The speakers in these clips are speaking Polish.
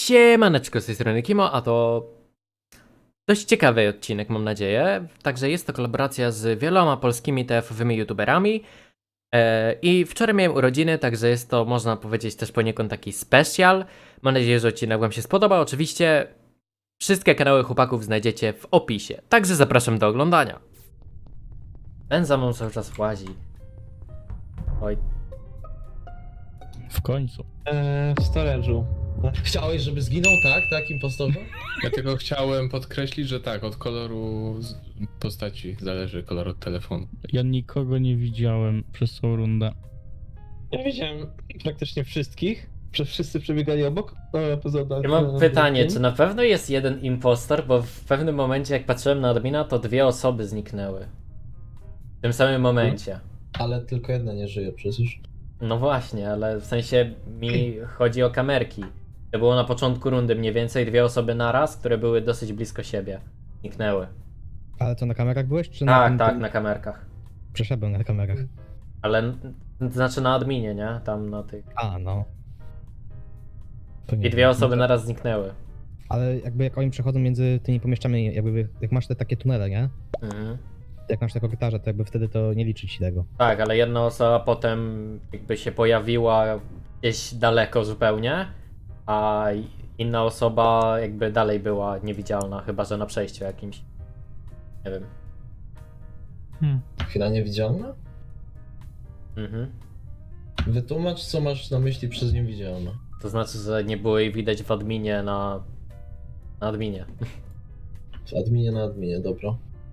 Siemaneczko, z tej strony Kimo, a to dość ciekawy odcinek, mam nadzieję. Także jest to kolaboracja z wieloma polskimi TF-owymi youtuberami. I wczoraj miałem urodziny, także jest to, można powiedzieć, też poniekąd taki special. Mam nadzieję, że odcinek wam się spodoba. Oczywiście wszystkie kanały chłopaków znajdziecie w opisie, także zapraszam do oglądania. Ten za mną cały czas łazi. Oj, W końcu. W storage'u. Chciałeś, żeby zginął, tak? Tak, impostorze? Ja tylko chciałem podkreślić, że tak, od koloru postaci zależy kolor od telefonu. Ja nikogo nie widziałem przez całą rundę. Ja widziałem praktycznie wszystkich. Wszyscy przebiegali obok. Poza ja mam pytanie, czy na pewno jest jeden impostor, bo w pewnym momencie jak patrzyłem na admina, to 2 osoby zniknęły. W tym samym momencie. Ale tylko jedna nie żyje przecież. No właśnie, ale w sensie mi chodzi o kamerki. To było na początku rundy mniej więcej 2 osoby naraz, które były dosyć blisko siebie. Zniknęły. Ale to na kamerach byłeś, czy Tak, na tak, na kamerkach. Przeszedłem na kamerach. Ale znaczy na adminie, nie? Tam na tych. A, no. To nie I 2 wiem. osoby No to- naraz zniknęły. Ale jakby jak oni przechodzą między tymi pomieszczeniami, jakby jak masz te takie tunele, nie? Mhm. Jak masz te korytarze, to jakby wtedy to nie liczy ci tego. Tak, ale jedna osoba potem jakby się pojawiła gdzieś daleko zupełnie, a inna osoba jakby dalej była niewidzialna, chyba że na przejściu jakimś. Nie wiem. Chwila niewidzialna? Mhm. Wytłumacz, co masz na myśli przez niewidzialna. To znaczy, że nie było jej widać w adminie na adminie. W adminie na adminie, dobra.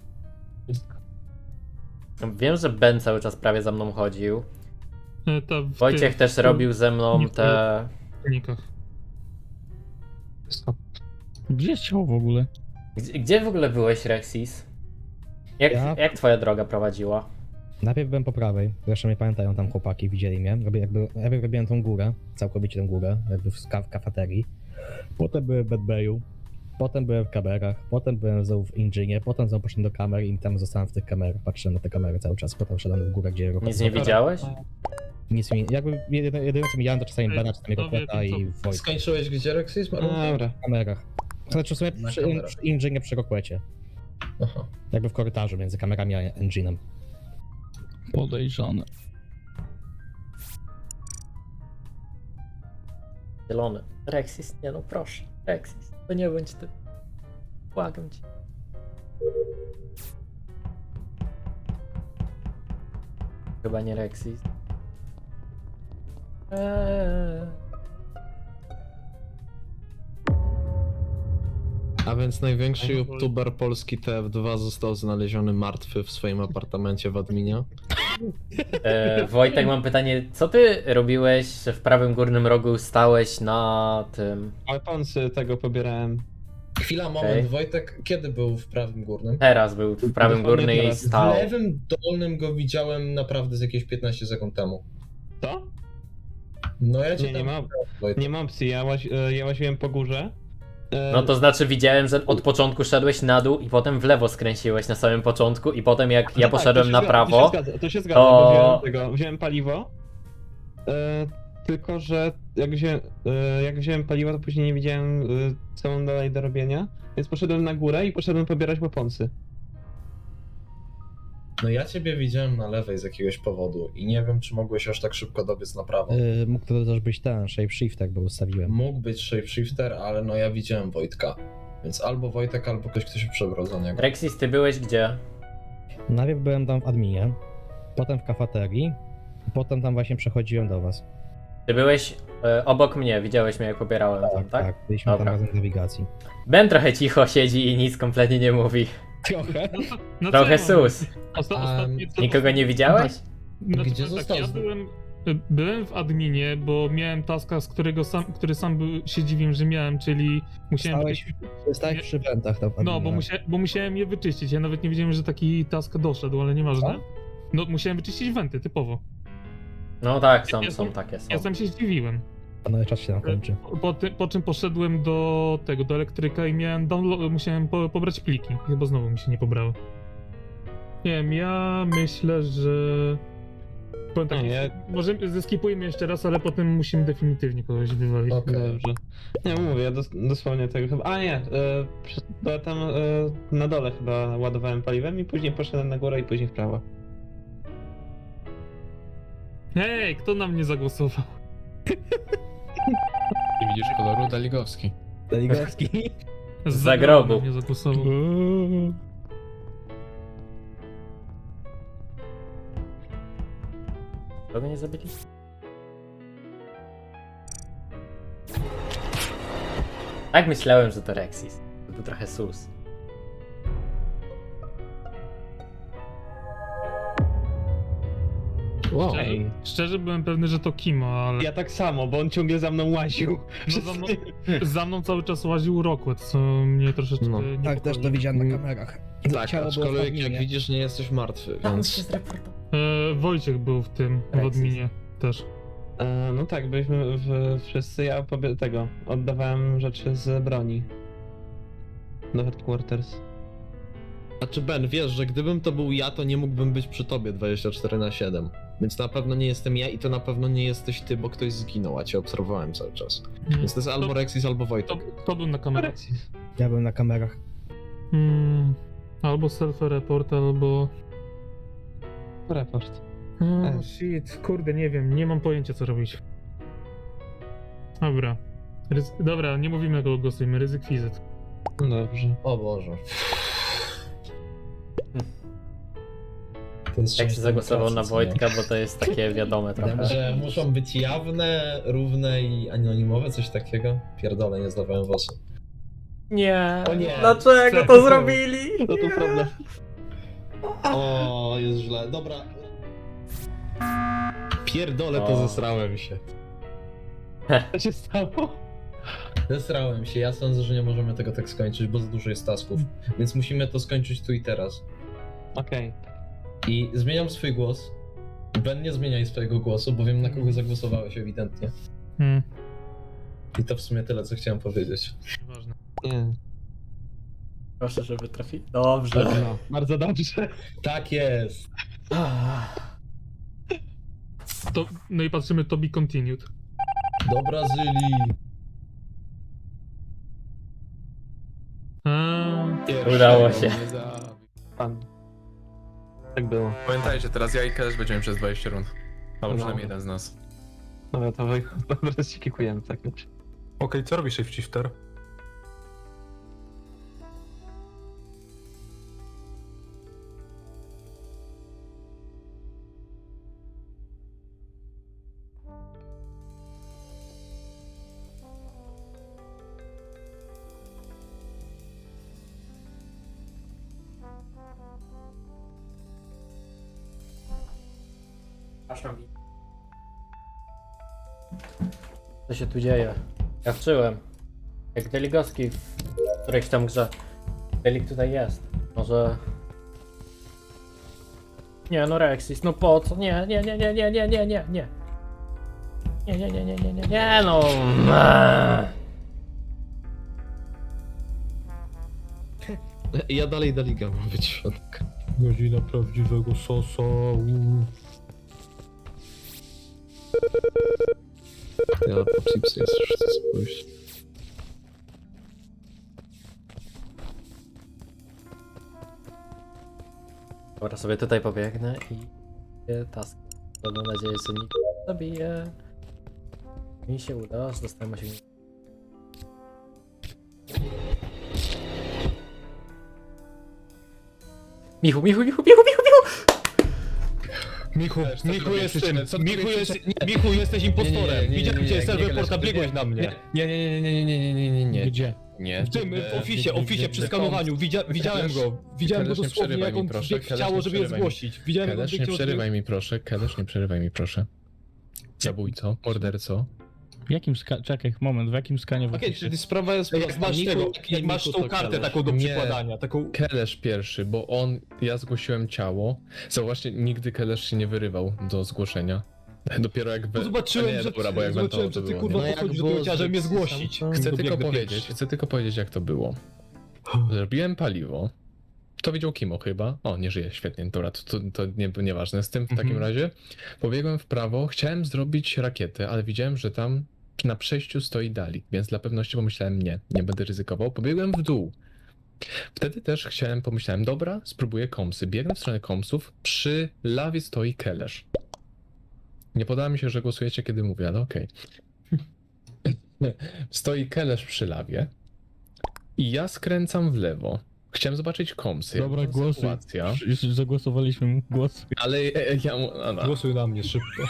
Wiem, że Ben cały czas prawie za mną chodził. To w Wojciech tych też robił ze mną te... silnikach. Gdzie jest ciało w ogóle? Gdzie w ogóle byłeś, Rexis? Ja- Jak twoja droga prowadziła? Najpierw byłem po prawej, zresztą nie pamiętają tam chłopaki, widzieli mnie. Najpierw robiłem tą górę, całkowicie tą górę, jakby w kafeterii. Potem byłem w Bedbayu, potem byłem w kamerach, potem byłem znowu w Engine'ie, potem znowu poszedłem do kamer i tam zostałem w tych kamerach, patrzyłem na te kamery cały czas, potem szedłem w górę, gdzie... Nic nie widziałeś? Nic mi... Jakby jedyne co widziałem to czasami Bena, czasami to wie, Rokweta i Wojtka. Skończyłeś gdzie, Rexis? Dobra. W kamerach. Znaczy w sumie Na przy kamerach. Engine'ie przy Rokwecie. Aha. Jakby w korytarzu między kamerami a Engine'em. Podejrzane. Zielony. Rexis, nie no proszę. Rexis, to nie bądź ty. Błagam cię. Chyba nie Rexis. A więc największy Oj, youtuber polski TF2 został znaleziony martwy w swoim apartamencie w adminie. Wojtek, mam pytanie, co ty robiłeś, że w prawym górnym rogu stałeś na tym... Weaponsy tego pobierałem. Chwila, moment, Okej. Wojtek, kiedy był w prawym górnym? Teraz był w prawym Dokładnie górnym i teraz. W stał. lewym dolnym go widziałem naprawdę z jakieś 15 sekund temu. Co? No ja cię Nie, nie tam... ma, Wojtek. nie ma opcji. Ja łaziłem po górze. No to znaczy widziałem, że od początku szedłeś na dół i potem w lewo skręciłeś na samym początku i potem jak ja No tak, poszedłem to się na zgadza, prawo, To się zgadza, to- bo wziąłem paliwo. Tylko, że jak wziąłem paliwo, to później nie widziałem co mam dalej do robienia. Więc poszedłem na górę i poszedłem pobierać weaponsy. No ja ciebie widziałem na lewej z jakiegoś powodu i nie wiem, czy mogłeś aż tak szybko dobiec na prawo. Mógł to też być ten shapeshifter, bo ustawiłem. Mógł być shapeshifter, ale no ja widziałem Wojtka. Więc albo Wojtek, albo ktoś, kto się przebrał za niego. Rexis, ty byłeś gdzie? Najpierw byłem tam w adminie, potem w kafeterii, potem tam właśnie przechodziłem do was. Ty byłeś obok mnie, widziałeś mnie jak pobierałem tam, tak? Byliśmy Dobra. tam razem w nawigacji. Ben trochę cicho siedzi i nic kompletnie nie mówi. Trochę? No Trochę co ja mam? sus. Ostatnie co- Nikogo nie widziałeś? Znaczy, Gdzie powiem został? Ja byłem w adminie, bo miałem taska, który sam się dziwiłem, że miałem, czyli musiałem... Stałeś Nie. przy wentach tam w No, adminie. bo musiałem je wyczyścić. Ja nawet nie wiedziałem, że taki task doszedł, ale nieważne. Co? No, musiałem wyczyścić wenty, typowo. No tak, są Ja- takie, są. Ja sam się zdziwiłem. No czas się tam kończy. Po czym poszedłem do elektryka i miałem musiałem pobrać pliki. Chyba znowu mi się nie pobrały. Nie wiem, ja myślę, że Powiem tak, Nie, ja- może zeskipujmy jeszcze raz, ale potem musimy definitywnie kogoś wywalić. Okej. Dobrze. Nie, mówię, ja dosłownie tego chyba... A nie, bo tam na dole chyba ładowałem paliwem i później poszedłem na górę i później w prawo. Hej, kto na mnie zagłosował? Nie widzisz koloru? Daligowski. Daligowski. Za grobu. Na mnie zagłosował. Kogo nie zabili? Tak myślałem, że to Rexis. To był trochę sus. Wow. Ej. Szczerze byłem pewny, że to Kimo, ale Ja tak samo, bo on ciągle za mną łaził. no za mną cały czas łaził Rockwell, co mnie troszeczkę No. niepokoi. Tak, też to widziałem na kamerach. Tak, Ciało było w aczkolwiek jak adminie. widzisz, nie jesteś martwy, Tam więc... się zreportował. Wojciech był w tym, w Rexis. adminie też. No tak, byliśmy wszyscy, ja tego, oddawałem rzeczy z broni. Do headquarters. Znaczy Ben, wiesz, że gdybym to był ja, to nie mógłbym być przy tobie 24/7. Więc na pewno nie jestem ja i to na pewno nie jesteś ty, bo ktoś zginął, a cię obserwowałem cały czas. Więc to jest albo Rexis, albo Wojtek. To był na kamerach. Alexis. Ja byłem na kamerach. Albo self-report, albo... Report. Oh, shit, kurde, nie wiem, nie mam pojęcia co robić. Dobra. Dobra, nie mówimy jak głosujemy, ryzyk fizyt. No dobrze. O Boże. Jak się zagłosował na Wojtka, bo to jest takie wiadome trochę. Że muszą być jawne, równe i anonimowe, coś takiego? Pierdolę, nie zdawałem głosu. Nie. O nie. Dlaczego to zrobili? No tu problem. O, jest źle. Dobra. Pierdolę, O. to zesrałem się. Co się stało? Zesrałem się. Ja sądzę, że nie możemy tego tak skończyć, bo za dużo jest tasków. Więc musimy to skończyć tu i teraz. Okej. I zmieniam swój głos. Ben, nie zmieniaj swojego głosu, bo wiem na kogo zagłosowałeś ewidentnie. I to w sumie tyle, co chciałem powiedzieć. Nieważne. Nie. Proszę, żeby trafić. Dobrze. No, bardzo dobrze. Tak jest! No i patrzymy, to be continued. Do Brazylii! Udało się. Nie za- Pan. Tak było. Pamiętajcie, teraz ja i Kelesz będziemy przez 20 rund. Albo No. przynajmniej jeden z nas. Dobra, to dobra, się kikujemy tak już. Okej, co robi shapeshifter? Co się tu dzieje? Ja wczyłem. Jak Deligowski w którejś tam grze. Delik tutaj jest. Może... Nie no Rexis, no po co? Nie. Nie, nie, nie, nie, nie, nie, nie. Nie, nie, nie, nie, nie, nie, nie, no. Ja dalej Daliga mam być w środku. Godzina prawdziwego sosa. Ja po chipsy jest, już chcę spójść. Dobra, sobie tutaj pobiegnę i... task. Mam nadzieję, że nikt nie zabije. Mi się uda, aż dostałem osiągnięcie. Michu, Michu, Michu, Michu, Michu, Michu! Michu, Co ty Michu robisz? jesteś, Co ty Michu, robisz? Michu jesteś impostorem. Nie, nie, nie, nie, Widziałem nie, cię nie, z nie, serwerporta, nie, biegłeś nie, na mnie. Nie, nie, nie, nie, nie, nie, nie, nie, nie, nie. Gdzie? W tym ofisie, przy skanowaniu, widziałem go. Widziałem go Kelesz, nie dosłownie, przerywaj jak mi, on proszę, biegł w Kelesz, ciało, nie żeby je przerywaj mi. zgłosić. Widziałem, jak on Kelesz, nie biegł w ciało, przerywaj mi proszę, Kelesz, nie przerywaj mi proszę. Zabójco, morderco. W jakim czekaj, moment, w jakim skanie w Okej, opisie? czyli sprawa jest Jak prosta. masz Miku- tego, nie jak masz Miku, tą to kartę Kelesz. taką do Nie. przykładania, taką... Kelesz pierwszy, bo ja zgłosiłem ciało. Właśnie nigdy Kelesz się nie wyrywał do zgłoszenia. Dopiero jak Zobaczyłem, A nie, że, dobra, bo jak zobaczyłem, Wentował, że to ty było, kurwa nie? No jak podchodzisz do było tego ciała, żeby mnie z zgłosić. Chcę tylko Dobiegnę powiedzieć, pierwszy. chcę tylko powiedzieć jak to było. Zrobiłem paliwo. To widział Kimo chyba. O, nie żyje, świetnie, dobra, to nieważne. Z tym w takim razie pobiegłem w prawo, chciałem zrobić rakietę, ale widziałem, że tam na przejściu stoi Dalik, więc dla pewności pomyślałem nie będę ryzykował. Pobiegłem w dół. Wtedy też pomyślałem, dobra, spróbuję komsy. Biegnę w stronę komsów, przy lawie stoi Kelesz. Nie podoba mi się, że głosujecie, kiedy mówię, ale okej. Stoi Kelesz przy lawie i ja skręcam w lewo. Chciałem zobaczyć komsy. Dobra, jaka głosuj. sytuacja. Już zagłosowaliśmy, głosuj. Ale ja... Głosuj na mnie szybko.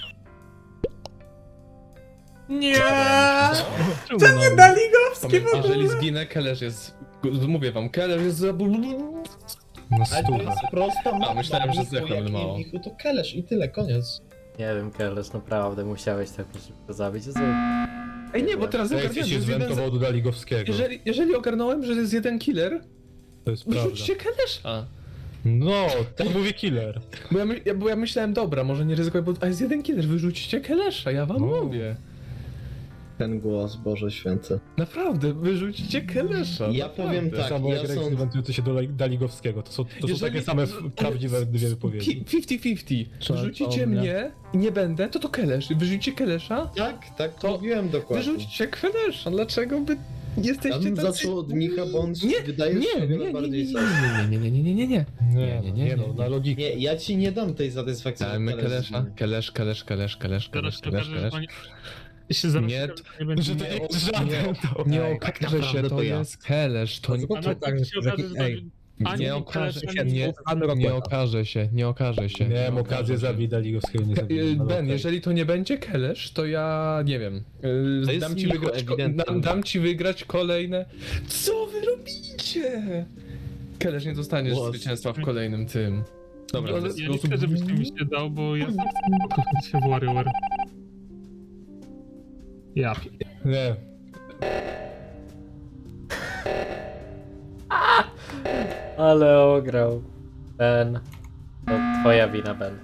Nie! Czemu na mnie? Daligowski w ogóle! Jeżeli zginę, Kelesz jest... Mówię wam, Kelesz jest za... Na stówę. prosta mapa, myślałem, że zdechłem mało. To Kelesz i tyle, koniec. Nie wiem, Kelesz, naprawdę musiałeś tak szybko zabić. Jezu. Ej, nie, bo teraz Jak ogarniałem, się że jest jeden... zwentował do Daligowskiego. Jeżeli ogarnąłem, że jest jeden killer, To jest prawda. wyrzućcie Kelesza. No, tak mówi killer. Bo ja myślałem, dobra, może nie ryzykuję, bo jest jeden killer, wyrzućcie Kelesza, ja wam No. mówię. Ten głos, Boże Święty. Naprawdę, wyrzućcie Kelesza. Ja naprawdę. powiem Tak tak, samo ja jak Rex sądzę- wentujący się do Daligowskiego. To są Jeżeli- takie same prawdziwe dwie wypowiedzi. 50-50. Co, Wyrzucicie o mnie? mnie i nie będę, to Kelesz. Wyrzucicie Kelesza, Tak, To mówiłem dokładnie. wyrzućcie Kelesza. Dlaczego by Ja jesteście bym tacy... zaczął od Micha, bo on Nie, wydaje się o wiele bardziej sens. nie. Nie, no, na logikę. Nie, ja ci nie dam tej satysfakcji. że Dajmy Kelesz Kelesza. zginie. Kelesz. Zaraz się okaże, że to nie... Się zaraz Nie, się okaże, że nie będzie... Że to nie jest żaden to. Nie tak okaże naprawdę się, to to ja. jest Kelesz, to nie... A na końcu się okaże, że to... Ani Nie nie okaże Kelesz, się, ani nie okaże się. Miałem okazję zabić Daligowskiego, nie zabiłem. ale Ben, okej. jeżeli to nie będzie Kelesz, to ja nie wiem. To jest Dam ci, Micho, wygrać, ewidentnie. dam ci wygrać kolejne. Co wy robicie? Kelesz nie dostanie Głos. zwycięstwa w kolejnym tym. Dobra, Ja w ten nie sposób... chcę, żebyś ty mi się dał, bo ja sam chcę pokochać się w WarioWare. Ja Nie. Ale ograł. Ben. To twoja wina, Ben.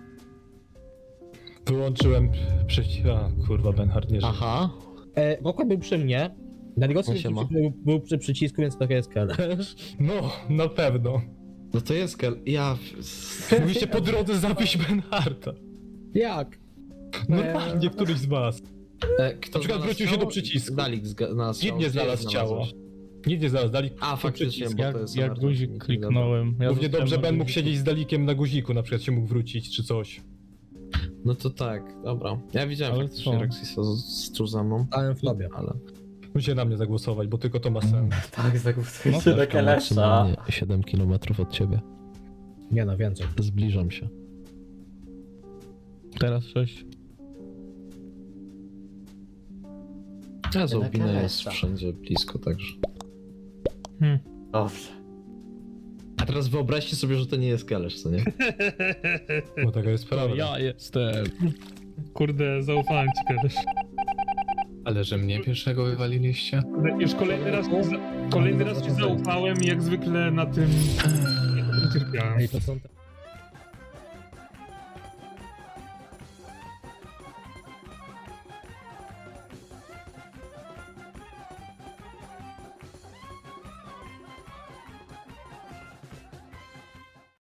Wyłączyłem przeciw... A, kurwa, Benhard nie żyje. Aha. Roko był przy mnie. Daligowski Siema. był przy przycisku, więc to jest Kelesz. No, na pewno. No to jest Ja... Mogliście po drodze zabić Benharda. Jak? Normalnie, któryś z was. Kto Na przykład znalazł wrócił się ciało? do przycisku. Dalik znalazł Nikt ciało. nie Gdzie je znalazł ciała. znalazłeś? Nikt nie znalazł. Dalik A, faktycznie, przycisk. bo Jak, to jest jak anarchia, guzik nie kliknąłem. Ja Równie zostałem dobrze na Ben mógł guziku. siedzieć z Dalikiem na guziku, na przykład się mógł wrócić, czy coś. No to tak, dobra. Ja widziałem Ale faktycznie co? Rexisa tu ze mną. Stałem w tobie. Ale... Musicie na mnie zagłosować, bo tylko to ma sens. Tak, zagłosujcie No, na Kelesza. 7 km od ciebie. Nie no, więcej. Zbliżam się. Teraz 6. Ja Zobina jest Kelesa. wszędzie blisko, także. Dobrze. A teraz wyobraźcie sobie, że to nie jest Kelesz, co nie? Bo taka jest To prawda. ja jestem. Kurde, zaufałem ci kiedyś. Ale że mnie pierwszego wywaliliście? Już kolejny raz ci zaufałem i jak zwykle na tym... Nie cierpiałem. Ej, to są te...